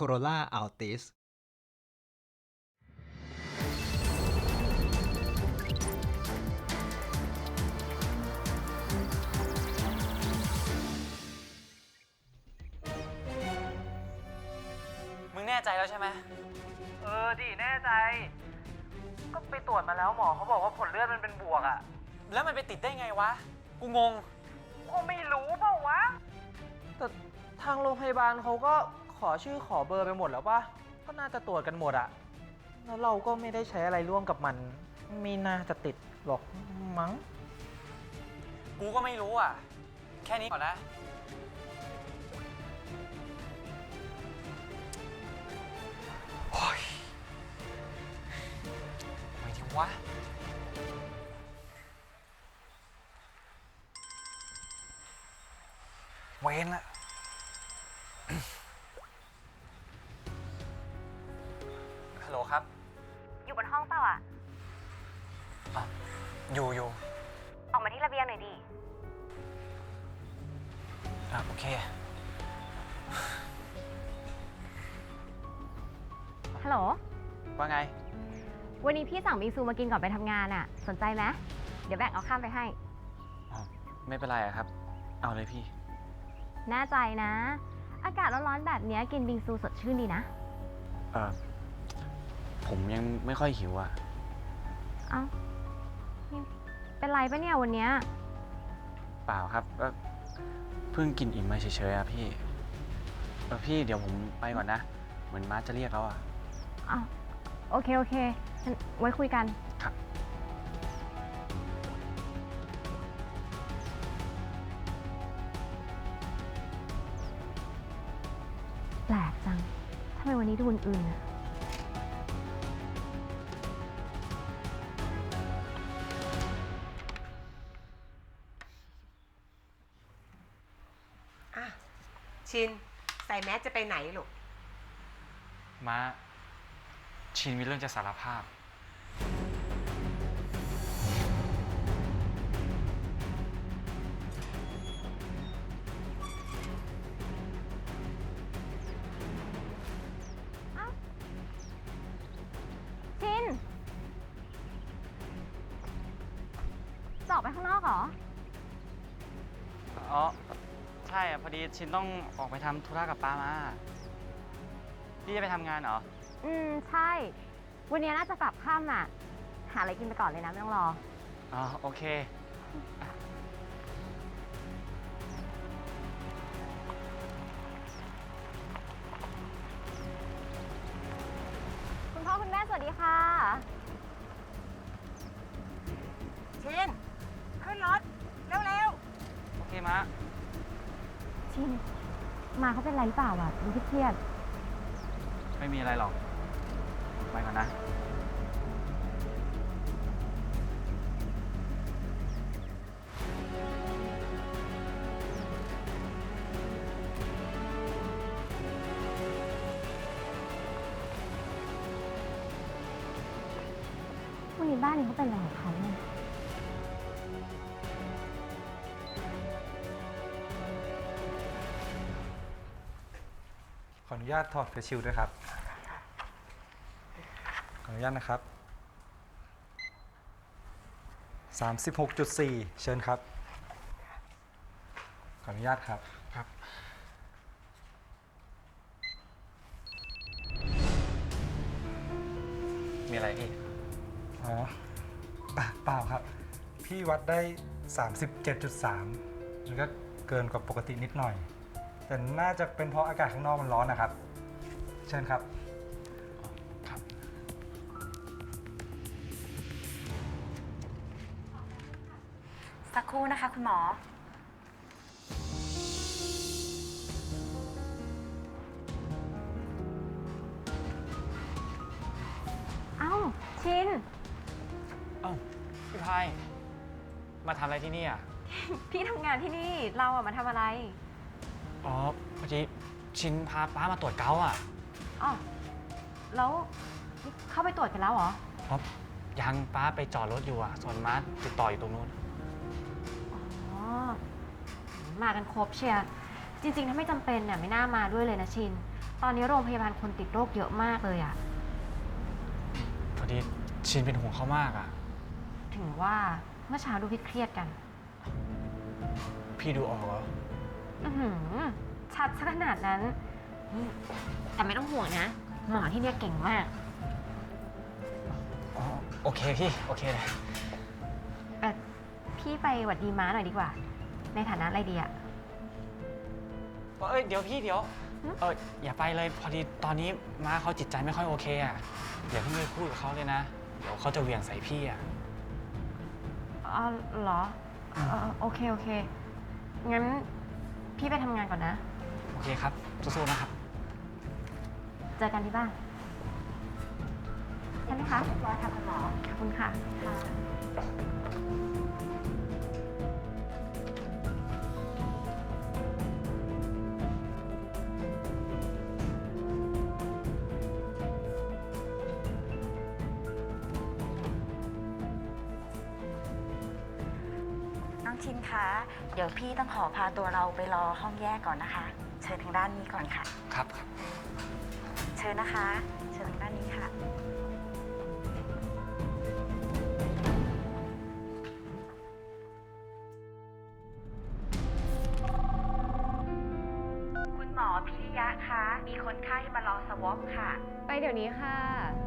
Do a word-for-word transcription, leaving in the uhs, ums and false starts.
Corolla Altis มึงแน่ใจแล้วใช่ไหมเออดิแน่ใจก็ไปตรวจมาแล้วหมอเขาบอกว่าผลเลือดมันเป็นบวกอะแล้วมันไปติดได้ไงวะกูงงก็ไม่รู้เปล่าวะแต่ทางโรงพยาบาลเขาก็ขอชื่อขอเบอร์ไปหมดแล้วป่ะก็น่าจะตรวจกันหมดอะแล้วเราก็ไม่ได้ใช้อะไรร่วมกับมันไม่น่าจะติดหรอกมั้งกูก็ไม่รู้อะแค่นี้ก่อนนะโอ้ยไม่ดีวะเว้นละ ฮัลโหลครับอยู่บนห้องเปล่าอ่ะอ่ะ อยู่อยู่ออกมาที่ระเบียงหน่อยดิอ่ะโอเคฮัลโหลว่าไงวันนี้พี่สั่งบิงซูมากินก่อนไปทำงานอ่ะ สนใจไหม เดี๋ยวแบ่งเอาข้ามไปให้อ๋อ ไม่เป็นไรอะครับ เอาเลยพี่แน่ใจนะ อากาศร้อนๆแบบนี้กินบิงซูสดชื่นดีนะเออผมยังไม่ค่อยหิวอะเอ้านี่เป็นไรปะเนี่ยวันเนี้ยเปล่าครับก็เพิ่งกินอิ่มมาเฉยๆอะพี่เออพี่เดี๋ยวผมไปก่อนนะ เหมือนมาร์ทจะเรียกแล้วอะอ้าวโอเค โอเคงั้นไว้คุยกันครับแปลกจังทำไมวันนี้ดูอื่นๆอะอ่ะชินใส่แมสจะไปไหนลูกมาชินมีเรื่องจะสารภาพชินจะออกไปข้างนอกเหรออ๋อ ใช่อะพอดีชินต้องออกไปทำธุระกับป้ามา พี่จะไปทำงานเหรออืม ใช่ วันนี้น่าจะกลับค่ำอ่ะ หาอะไรกินไปก่อนเลยนะ ไม่ต้องรออ๋อ โอเคคุณพ่อคุณแม่สวัสดีค่ะชินขึ้นรถ เร็วโอเคมะชิน มาเขาเป็นไรหรือเปล่าอ่ะดูเครียดไม่มีอะไรหรอก ไปก่อนนะๆวันนี้บ้านนี้เขาเป็นอะไรของเขาเนี่ยขออนุญาตถอดเฟซชิลด์ด้วยครับ ขออนุญาตนะครับ สามสิบหกจุดสี่ เชิญครับ ขออนุญาตครับครับ มีอะไรพี่อ๋ออ่ะเปล่าครับ พี่วัดได้ สามสิบเจ็ดจุดสาม มันก็เกินกว่าปกตินิดหน่อย แต่น่าจะเป็นเพราะอากาศข้างนอกมันร้อนนะครับ เชิญครับครับสักครู่นะคะคุณหมอเอ้า ชินเอ้า พี่พาย มาทำอะไรที่นี่อ่ะพี่ทำงานที่นี่ เราอะมาทำอะไรอ๋อพอดีชินพาป้ามาตรวจเกาต์อ่ะอ๋อ แล้วนี่เข้าไปตรวจกันแล้วเหรอเพราะยังป้าไปจอดรถอยู่อ่ะ ส่วนมาร์ทติดต่ออยู่ตรงนู้นอ๋อ มากันครบเชียร์ จริงๆ ถ้าไม่จำเป็นเนี่ยไม่น่ามาด้วยเลยนะชิน เพตอนนี้โรงพยาบาลคนติดโรคเยอะมากเลยอะพอดีชินเป็นห่วงเขามากอะถึงว่าเมื่อเช้าดูพี่เครียดกันพี่ดูออกเหรออือหือชัดซะขนาดนั้นนี่แต่ไม่ต้องห่วงนะ หมอที่เนี่ยเก่งมากอ๋อ โอเคพี่ โอเคเลยเออพี่ไปหวัดดีม้าหน่อยดีกว่า ในฐานะอะไรดีอะเอ้ย เดี๋ยวพี่เดี๋ยวหึเอออย่าไปเลย พอดีตอนนี้ม้าเขาจิตใจไม่ค่อยโอเคอะอย่าเพิ่งไปพูดกับเขาเลยนะ เดี๋ยวเขาจะเหวี่ยงใส่พี่อะอ๋อเหรอเออโอเค โอเค งั้นพี่ไปทำงานก่อนนะโอเคครับ สู้ๆนะครับเจอกันที่บ้านใช่ไหมคะเรียบร้อยค่ะคุณหมอขอบคุณค่ะค่ะน้องชินคะ เดี๋ยวพี่ต้องขอพาตัวเราไปรอห้องแยกก่อนนะคะ เชิญทางด้านนี้ก่อนค่ะครับครับเชิญนะคะ เชิญทางด้านนี้ค่ะ คุณหมอพิริยะคะ มีคนไข้มารอสวอปค่ะไปเดี๋ยวนี้ค่ะ